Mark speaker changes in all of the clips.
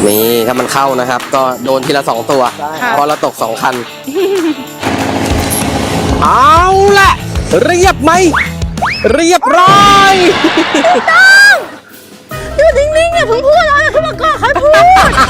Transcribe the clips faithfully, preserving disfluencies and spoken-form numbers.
Speaker 1: นี่ถ้ามันเข้านะครับก็โดนทีละสองตัวเพราะเราตกสองคัน เอาละเรียบไหมเรียบร้อย
Speaker 2: ต้องอยู่นิ่งๆอย่าเพิ่งพูดเลยอย่าเพิ่งมาก่อนใครพูด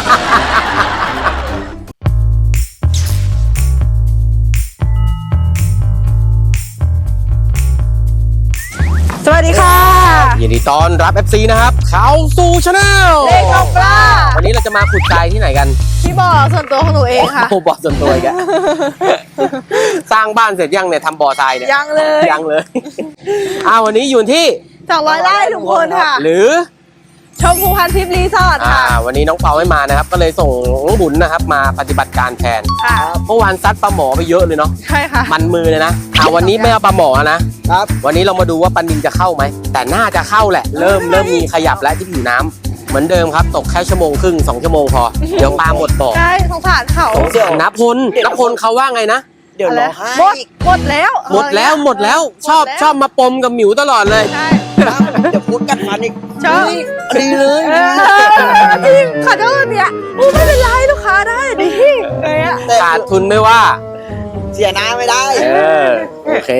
Speaker 2: สวัสดีค่ะ
Speaker 1: ยินดีต้อนรับ เอฟ ซี นะครับเข้าสู่ชาแนล
Speaker 2: เล็กกับปลา
Speaker 1: วันนี้เราจะมาขุดทรายที่ไหนกัน
Speaker 2: ที่บ่อส่วนตัวของหนูเองค่ะ
Speaker 1: โอ้บ่อส่วนตัวอีกอะ สร้างบ้านเสร็จยังเนี่ยทำบ่อทรายเนี่ย
Speaker 2: ยังเลย
Speaker 1: ยังเลย อ้าววันนี้อยู่ที่
Speaker 2: สองร้อยไร่ทุกคนค่ะ
Speaker 1: หรือ
Speaker 2: ชมพูพันทิพย์รีสอร์ทค่ะ
Speaker 1: วันนี้น้องเปาไม่มานะครับก็เลยส่งน้องบุญนะครับมาปฏิบัติการแทน
Speaker 2: ค่ะ
Speaker 1: เมื่อวานซัดปลาหมอไปเยอะเลยเนาะ
Speaker 2: ใช่ค่ะ
Speaker 1: มันมือเลยนะอ่าวันนี้ไม่เอาปลาหมอนะครับวันนี้เรามาดูว่าปลานิลจะเข้าไหมแต่น่าจะเข้าแหละเริ่มเริ่มมีขยับแล้วที่ผิวน้ำเหมือนเดิมครับตกแค่ชั่วโมงครึ่งสองชั่วโมงพอเดี๋ยวปลาหมดบ่อ
Speaker 2: ใช่สงสารเขา
Speaker 1: นับพลนับพลเขาว่าไงนะ
Speaker 2: เดี๋ยวรอให้หมดหมดแล้ว
Speaker 1: หมดแล้วหมดแล้วชอบชอบมาปมกับหมิวตลอดเลย
Speaker 2: ใช่
Speaker 3: เดี๋ยวพูดกันฟันอีก
Speaker 2: ชอบ
Speaker 1: ดีเลย
Speaker 2: จริงขอโทษเนี่ยอู้ไม่เป็นไรลูกค้าได้ดิเลยอะ
Speaker 1: ขาดทุนไม่ว่า
Speaker 3: เสียหน้าไม่ได้
Speaker 1: เออโอเค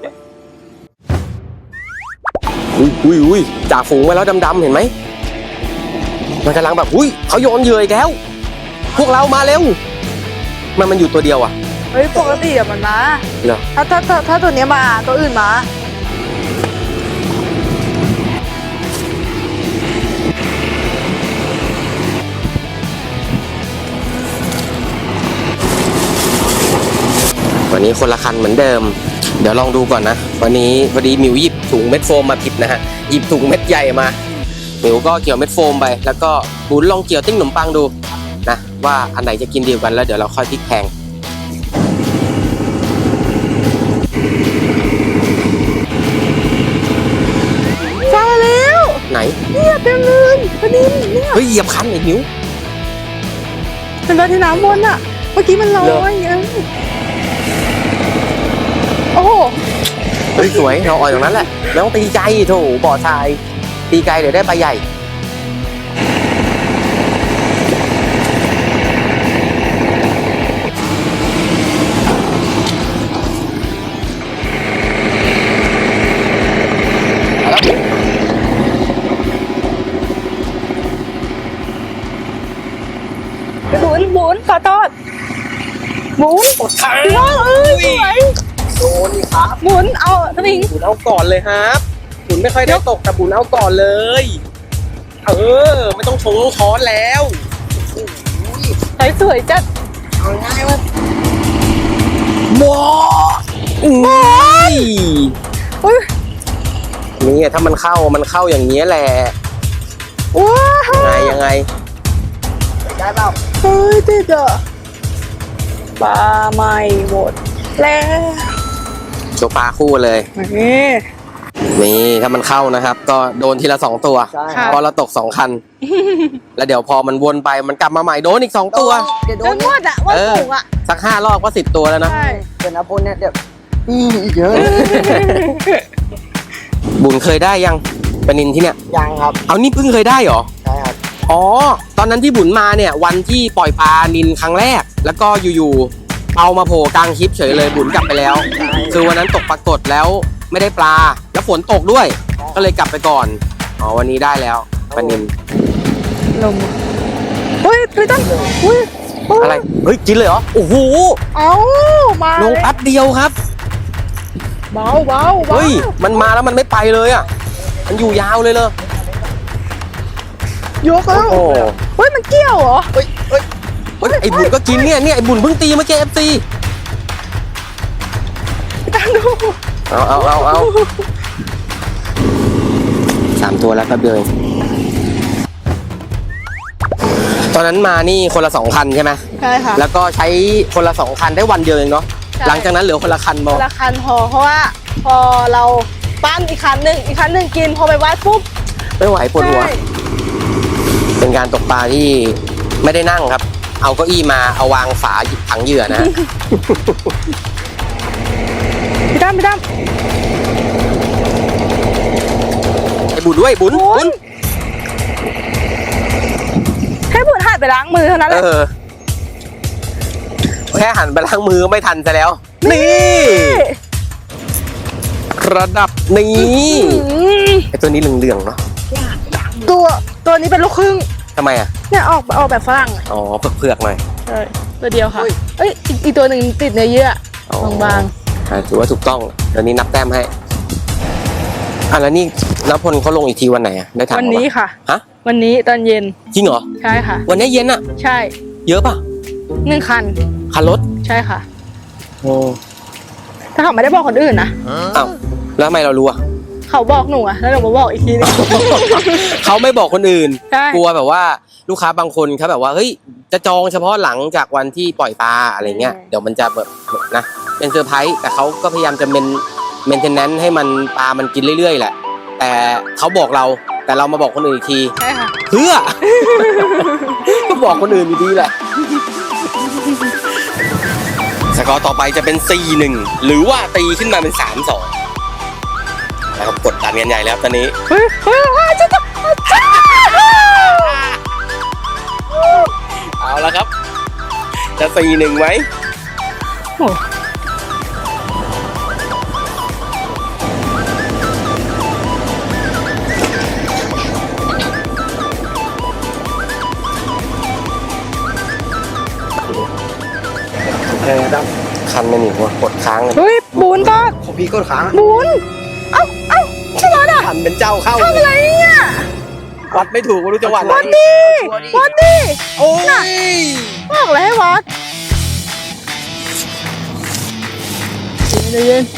Speaker 1: อุ้ยอุ้ยอุ้ยจ่าฝูงไปแล้วดำๆเห็นไหมมันกำลังแบบอุ้ยเขาโยนเหยื่ออีกแล้วพวกเรามาเร็วมันมันอยู่ตัวเดียวอ่ะ
Speaker 2: เฮ้ยปกติอะมันมา
Speaker 1: เหรอ
Speaker 2: ถ้าถ้าถ้าถ้าตัวนี้มาตัวอื่นมา
Speaker 1: วันนี้คนละคันเหมือนเดิมเดี๋ยวลองดูก่อนนะวันนี้พอดีมิวหยิบถุงเม็ดโฟมมาผิดนะฮะหยิบถุงเม็ดใหญ่มามิวก็เกี่ยวเม็ดโฟมไปแล้วก็บุญลองเกี่ยวติ้งขนมปังดูนะว่าอันไหนจะกินดีกันแล้วเดี๋ยวเราค่อยพลิกแพง
Speaker 2: มาแล้ว
Speaker 1: ไหน
Speaker 2: เนี่ยเต็มเลยพอดีเนี่ย
Speaker 1: เฮ้ยเหยียบคันไอ้มิว
Speaker 2: เป็นรถที่น้ำวนอ่ะเมื่อกี้มันลอยเออโอ้โห
Speaker 1: เฮ้ยสวยเราอ่อยตรงนั้นแหละแล้วตีไกลโถบ่อทรายตีไกลเดี๋ยวได้ปลาใหญ่
Speaker 2: หมุนหมุนขอโทษหมุน
Speaker 1: กดขา
Speaker 2: พี่น้องเอ้ยสวย
Speaker 1: โดนครับ
Speaker 2: หมุนเอาสวิง
Speaker 1: บุญเอาก่อนเลยครับบุญไม่ค่อยได้ตกแต่บุญเอาก่อนเลยเออไม่ต้องชงต้องช้อนแล้ว
Speaker 2: สวยสวยจัด
Speaker 3: เอาง่ายว่า
Speaker 1: หมอหมอยนี่ถ้ามันเข้ามันเข้าอย่างนี้แหละ
Speaker 2: ว้า
Speaker 1: ยังไงยังไง
Speaker 3: ได้เปล่า
Speaker 2: เฮ้ยติดอ่ะปลาไม่หมดแล้ว
Speaker 1: โชว์ปลาคู่เลย
Speaker 2: นี่
Speaker 1: นี่ถ้ามันเข้านะครับก็โดนทีละสองตัวพอเราตกสองคันแล้วเดี๋ยวพอมันวนไปมันกลับมาใหม่โดนอีกสองตัว
Speaker 2: เดี๋ยวโดนหมดอ่ะว่าสูงอ่ะ
Speaker 1: สักห้ารอบก็สิบตัวแล้วนะ
Speaker 3: เดี๋ยวนะพลเนี่ยเดี๋ยวอีกเยอะ
Speaker 1: บุญเคยได้ยังปลานิลที่เนี่ย
Speaker 3: ยังครับ
Speaker 1: เอานี่เพิ่งเคยได้เหรอ
Speaker 3: ใช่ครับ
Speaker 1: อ๋อตอนนั้นที่บุญมาเนี่ยวันที่ปล่อยปลานิลครั้งแรกแล้วก็อยู่ๆเอามาโผล่กลางคลิปเฉยเลยบุญกลับไปแล้วคือวันนั้นตกปรากฏแล้วไม่ได้ปลาแล้วฝนตกด้วยก็เลยกลับไปก่อนอ๋อวันนี้ได้แล้วปลานิล
Speaker 2: ลงเฮ้ยพี่ตั้งเฮ้ย
Speaker 1: อะไรเฮ้ยกินเลยเหรอโอ้โห
Speaker 2: เอามา
Speaker 1: ลงแป๊บเดียวครับ
Speaker 2: เบาเบา
Speaker 1: เฮ้ยมันมาแล้วมันไม่ไปเลยอ่ะมันอยู่ยาวเลยเลย
Speaker 2: ยกแล้วเฮ้ยมันเกี่ยวเหรอ
Speaker 3: เฮ้ยเฮ้ย
Speaker 1: ไอ้บุญก็กินเนี่ยเนี่ยไอ้บุญเพิ่งตีเมื่อกี้เอฟซี
Speaker 2: ตั้งดู
Speaker 1: เอาเอาเอาเอาสามตัวแล้วครับเบลตอนนั้นมานี่คนละสองคันใช่ไหม
Speaker 2: ใช่ค่ะ
Speaker 1: แล้วก็ใช้คนละสองคันได้วันเดียวเองเนาะหลังจากนั้นเหลือคนละคันพอ
Speaker 2: คนละคันพอเพราะว่าพอเราปั้นอีกคันหนึ่งอีกคันหนึ่งกินพอไปวัดปุ๊บ
Speaker 1: ไม่ไหวปวดหัวเป็นการตกปลาที่ไม่ได้นั่งครับเอาเก้าอี้มาเอาวางฝาหยิบถังเหยื่อนะ
Speaker 2: พี่ตั้มพี่ตั้ม
Speaker 1: ไอ้บุญด้วยบุญบุญ
Speaker 2: ให้บุญหายไปไปล้างมือเท่านั้นแห
Speaker 1: เอ
Speaker 2: ละ
Speaker 1: อ แค่หันไปล้างมือไม่ทันซะแล้ว นี่ ระดับนี้
Speaker 2: อืม
Speaker 1: ไอตัวนี้เหลืองๆเนาะ
Speaker 2: ตัวตัวนี้เป็นลูกครึ่ง
Speaker 1: ทำไมอ่ะ
Speaker 2: เนี่ยออกออกแบบฝรั่งอะ
Speaker 1: อ๋อเผือกๆหน่อย
Speaker 2: ใช่ตัวเดียวค่ะเอ้ยอีกอีกตัวหนึ่งติดเนื้อเยื่อ
Speaker 1: อ๋อ
Speaker 2: บาง
Speaker 1: อ่ะถือว่าถูกต้องเดี๋ยวนี้นับแต้มให้อ่ะแล้วนี่นพลเขาลงอีกทีวันไหนอ่ะได้ถาม
Speaker 2: ๆวัน
Speaker 1: เขา
Speaker 2: นี้
Speaker 1: ปะ
Speaker 2: ค่ะ
Speaker 1: ฮะ
Speaker 2: วันนี้ตอนเย็น
Speaker 1: จริงเหรอ
Speaker 2: ใช่ค่ะ
Speaker 1: วันนี้เย็นอ่ะ
Speaker 2: ใช่
Speaker 1: เยอะป่ะ
Speaker 2: หนึ่งคัน
Speaker 1: คันรถ
Speaker 2: ใช่ค่ะ
Speaker 1: โอ้
Speaker 2: ถ้าเขาไม่ได้บอกคนอื่นนะ
Speaker 1: อ้าวแล้วทำไมเรารู้อ่ะ
Speaker 2: เขาบอกหนูอะแล้วหนูมาบอกอีกทีนึง
Speaker 1: เขาไม่บอกคนอื่น
Speaker 2: ใช่
Speaker 1: กลัวแบบว่าลูกค้าบางคนเขาแบบว่าเฮ้ยจะจองเฉพาะหลังจากวันที่ปล่อยปลาอะไรเงี้ย
Speaker 2: อืม
Speaker 1: เดี๋ยวมันจะแบบนะเป็นเซอร์ไพรส์แต่เขาก็พยายามจะเมนเมนเทนแนนซ์ให้มันปลามันกินเรื่อยๆแหละ แต่เขาบอกเราแต่เรามาบอกคนอื่นอีกที
Speaker 2: ใช่ค่ะ
Speaker 1: เพื่อ ก็บอกคนอื่นอยู่ดีแหละสกอร์ต่อไปจะเป็น สี่หนึ่ง หรือว่าตีขึ้นมาเป็น สามสอง นะครับกดดันกันใหญ่แล้วตอนนี้
Speaker 2: เฮ้ยเฮ้ยเฮ้ยจะต้อง
Speaker 1: เอาละครับ จะ สี่หนึ่ง ไหม
Speaker 2: โอ้
Speaker 3: อะไรนะครับ
Speaker 1: คันมันอยู่ว่ะกดค้างเลย
Speaker 2: เฮ้ยบูนบอส
Speaker 3: ของพี่ก็ค้าง
Speaker 2: บูนเอ้าเอ้าใช่ไหมอ่ะ
Speaker 1: คันเป็นเจ้าเข้า
Speaker 2: ทำอะไรเนี่ย
Speaker 1: วัดไม่ถูกไม่รู้จังหวะไหน
Speaker 2: วัดดิวัดดิ
Speaker 1: โอ้ย
Speaker 2: บอกเลยให้วัดเย็น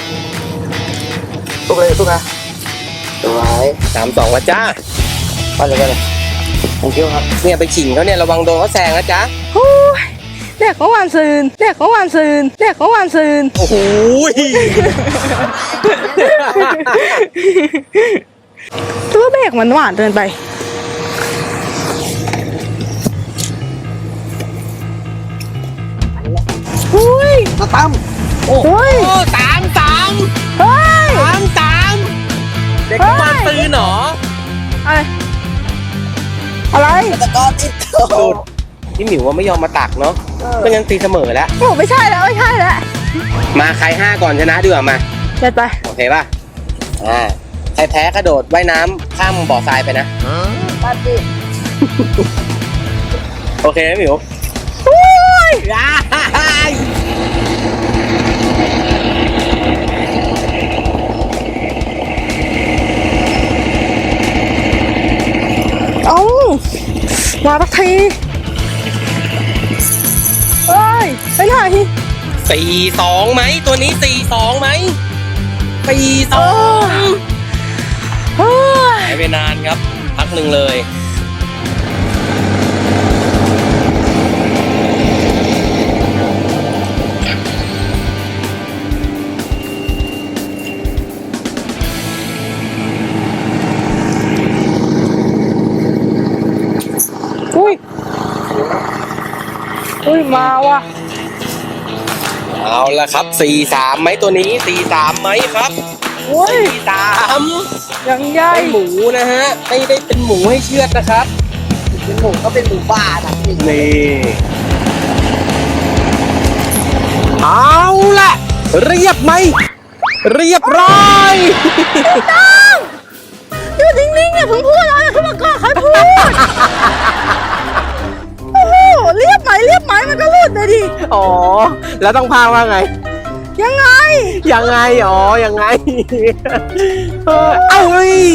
Speaker 3: ทุกเลยทุกนะสวย
Speaker 1: สามสองแล้วจ้า
Speaker 3: ไปเลยไปเลย thank you ครับ
Speaker 1: เนี่ยไปขิงเขาเนี่ยระวังโดนเขาแซงนะจ๊ะ
Speaker 2: โอ้ยเด็กของวันซืนเด็กของวันซืนเด็กของวันซืน
Speaker 1: โอ้โห
Speaker 2: ตัวเบรกมันหวานเกินไป อุ้ย
Speaker 3: มาตั้ม
Speaker 1: โอ้โห
Speaker 2: เฮ้ย
Speaker 1: สามสาม
Speaker 2: เฮ้ย
Speaker 1: สามสามเด็กมาตื่นเหรอ
Speaker 2: อะไร อะไร
Speaker 3: ตะกอติด
Speaker 1: สุดพี่หมิวว่าไม่ยอมมาตักเนาะไม่งั้นตีเสมอแล้ว
Speaker 2: โอ้ไม่ใช่แล้วไม่ใช่แล้ว
Speaker 1: มาใครห้าก่อนชนะดีกว่ามา
Speaker 2: เด็ดไป
Speaker 1: โอเคป่ะ อ่า ใครแพ้กระโดดว่ายน้ำข้ามบ่อทรายไปนะ
Speaker 3: ปาติ
Speaker 1: โอเคไหมหมิว
Speaker 2: อุ้ย
Speaker 1: ได้
Speaker 2: เอามาสักทีเฮ้ยไปไหน
Speaker 1: สี่สองไหมตัวนี้สี่สองไหมสี่สอง
Speaker 2: เฮ้ย
Speaker 1: หายไปนานครับ พักหนึ่งเลย
Speaker 2: อุ้ยอุ้ยมาว่ะ
Speaker 1: เอาละครับสี่สามไหมตัวนี้สี่สามไหมครับ
Speaker 2: อุ้ย
Speaker 1: สี่สาม
Speaker 2: ยังใหญ่
Speaker 1: เป็นหมูนะฮะ ไม่ได้เป็นหมูให้เชือดนะครับ
Speaker 3: เป็นหมูก็เป็นหมูบ้านะพี่
Speaker 1: นี่ เอาละเรียบไหม เรียบร้อย
Speaker 2: อยู่นิ่งๆอย่าเพิ่งพูดเลยขึ้นมาก่อนค่อยพูด โอ้โหเรียบไหมเรียบไหมมันก็หลุดเลยดิ
Speaker 1: อ๋อ แล้วต้องพาว่าไง
Speaker 2: ยังไง
Speaker 1: ยังไง อ๋อ ยังไง เออเอ้ย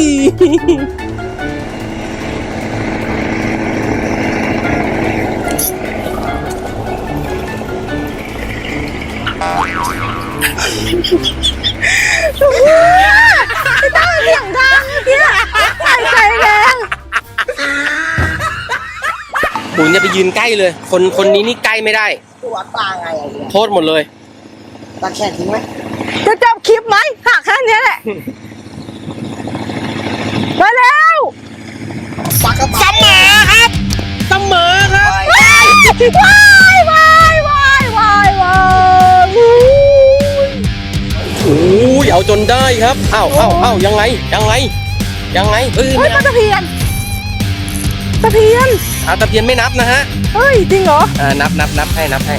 Speaker 2: ไม่ต้องเสียงดังเนี่ยหายใจแรง
Speaker 1: บุญอย่าไปยืนใกล้เลย คนคนนี้นี่ใกล้ไม่ได้
Speaker 3: ตัวปลาไงอะเนี่ย
Speaker 1: โทษหมดเลย
Speaker 3: ตาแขนทิ้งไหม
Speaker 2: จะจบคลิปไหมหักแค่เนี้ยแหละมาแล้ว
Speaker 3: ปลากระ
Speaker 1: เส
Speaker 3: เป๋าม
Speaker 1: อครับ เสมอครับ
Speaker 2: ว้ายว้ายว้ายว้ายว้ายว้ายอุ้ย
Speaker 1: โอ้ยเอาจนได้ครับอ้าวอ้าวอ้าวยังไง ยังไง ยังไงเอ้ย
Speaker 2: เฮ้
Speaker 1: ไม่
Speaker 2: ยปลา
Speaker 1: เอา
Speaker 2: ตะเพียนตะเพียน
Speaker 1: อาตะเพียนไม่นับนะฮะ
Speaker 2: เฮ้ย จริงเหรอ
Speaker 1: อ่านับนับนับให้นับให้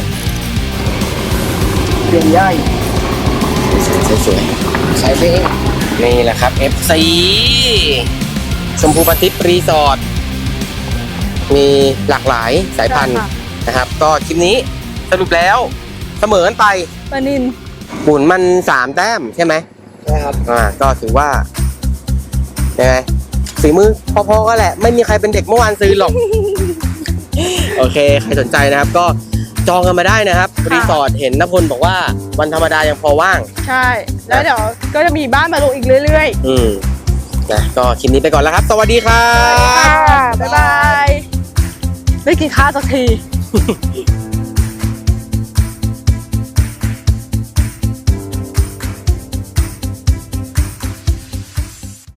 Speaker 3: เปลี่ยนย่อยสวยๆใส่ไปเอง
Speaker 1: นี่แหละครับ เอฟ ซี ชมพูปาทิปรีสอร์ทมีหลากหลายสายพันธุ์
Speaker 2: ใช่ค่ะ
Speaker 1: นะครับ ก็คลิปนี้สรุปแล้วเสมอกันไป
Speaker 2: ปลานิน
Speaker 1: บุญมันสามแต้มใช่ไหม
Speaker 3: นะครับ
Speaker 1: อ่าก็ถือว่ายังไงฝีมือพอๆก็แหละ ไม่มีใครเป็นเด็กเมื่อวานซื้อหรอก โอเค ใครสนใจนะครับ ก็จองกันมาได้นะครับ รีสอร์ทเห็นนพลบอกว่าวันธรรมดายังพอว่าง
Speaker 2: ใช่ แล้วเดี๋ยวก็จะมีบ้านมาลงอีกเรื่อย
Speaker 1: อืมนะก็คลิปนี้ไปก่อนแล้วครับ สวัสดีครั
Speaker 2: ๆ
Speaker 1: บ
Speaker 2: ค่ะบ๊ายบาย ได้กินข้าวสักที